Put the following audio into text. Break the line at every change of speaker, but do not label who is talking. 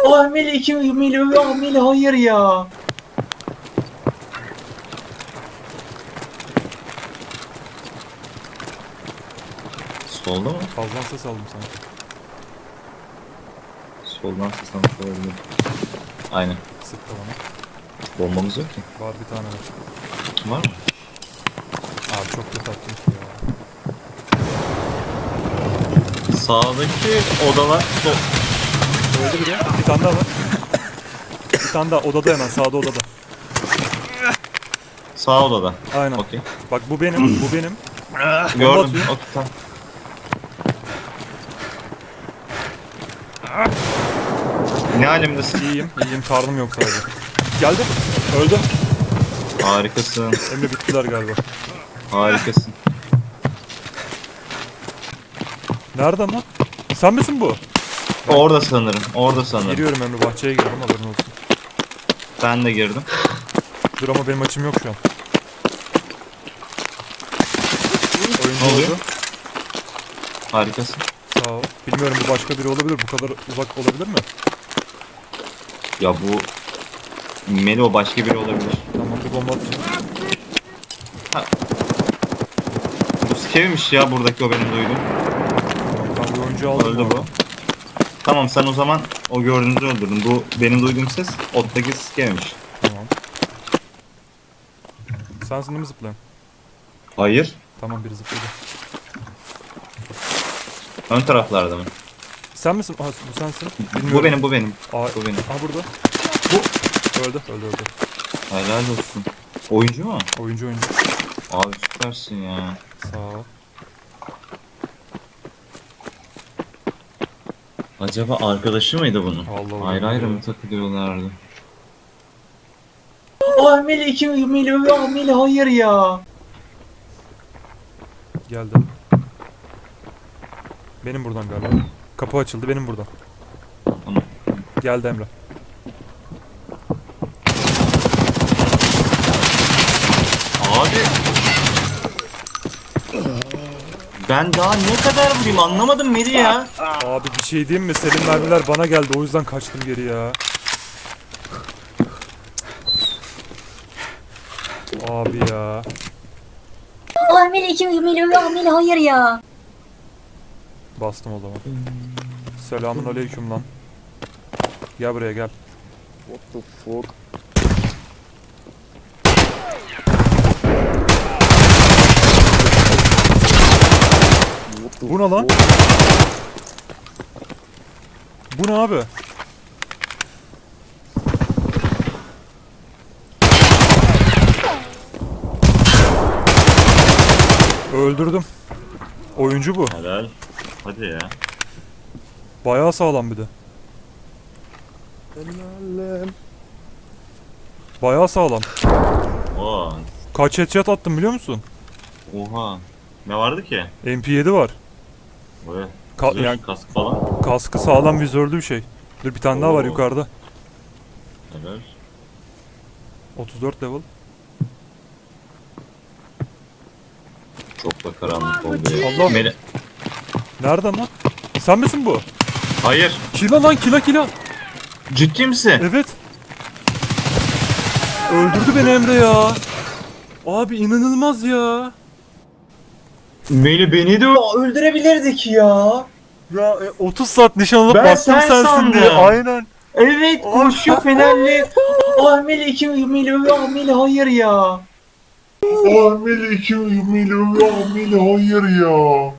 Ah Melih hayır ya. Solda mı?
Fazladan ses aldım sanki.
Soldan seslenmiş olabilir. Aynen.
Sıktı bana.
Bombamız yok ki.
Var bir tane var.
Var mı?
Abi çok kötü attım ki ya.
Sağdaki odalar
Öldü biri. Bir tane daha var. Bir tane daha odada, hemen sağda odada.
sağ odada.
Aynen.
Okey.
Bak bu benim, bu benim.
Gördüm.
atıyor.
Okey, tamam. Ne alemdesin?
İyiyim, iyiyim. Karnım yok sadece. Geldi. Öldü.
Harikasın.
Emre bittiler galiba.
Harikasın.
Nereden lan? Sen misin bu?
Orada sanırım. Orada sanırım.
Giriyorum Emre, bahçeye girdim, haberin olsun.
Ben de girdim.
Dur ama benim açım yok şu an.
Ne
Oyuncu
oluyor?
oldu.
Harikasın.
Sağ ol. Bilmiyorum, bu başka biri olabilir. Bu kadar uzak olabilir mi?
Ya bu Melo başka biri olabilir.
Tamam, bir bomba atacağım.
Bu Skev'miş ya buradaki o benim duydum.
Tamam, ben bir oyuncu aldım.
Öldü bu. Tamam sen o zaman o gördüğünüzü öldürdün. Bu benim duyduğum ses ottaki Skev'miş.
Tamam. Sensin değil mi zıplayan?
Hayır.
Tamam, biri zıpladı.
Ön taraflarda mı?
Sen misin? Aa, bu sensin.
Bu benim, bu benim.
Aa,
Bu benim.
Aa, burada.
Bu.
Öldü.
Helal olsun. Oyuncu mu?
Oyuncu.
Abi süpersin ya.
Sağ ol.
Acaba arkadaşı mıydı bunun?
Allah
Ayrı
Allah.
ayrı mı takılıyorlardı?
Ah Melih hayır ya.
Geldim. Benim buradan galiba. Kapı açıldı, benim buradan.
Tamam.
Geldi Emre.
Abi. Ben daha ne kadar vurayım anlamadım Meri ya.
Abi bir şey diyeyim mi? Senin mermiler bana geldi, o yüzden kaçtım geri ya. Abi ya.
Ah Melih hayır ya.
Bastım o zaman. Selamun aleyküm lan. Gel buraya gel.
What the fuck?
Bu ne lan? Bu ne abi? Öldürdüm. Oyuncu bu.
Helal. Hadi ya.
Bayağı sağlam bir de.
Helalim.
Bayağı sağlam.
Oo.
Kaç headshot attım biliyor musun?
Oha. Ne vardı ki?
MP7 var.
Böyle.
Yani
Kask falan.
kaskı sağlam, vizörlü bir şey. Dur, bir tane daha var
Oo.
yukarıda.
Helal.
34 level.
Çok da karanlık oldu ya.
Allah.
Meri...
Nereden lan? Sen misin bu?
Hayır.
Kila lan, kila.
Ciddi misin?
Evet. Öldürdü beni Emre ya. Abi inanılmaz ya.
Meli beni de
Öldürebilirdik ya.
Ya 30 saat nişan alıp
Ben
bastım
sen
sensin
sandım.
diye. Aynen.
Evet koşuyor Fenerli. Ah Melih hayır ya.
Ah Melih hayır ya.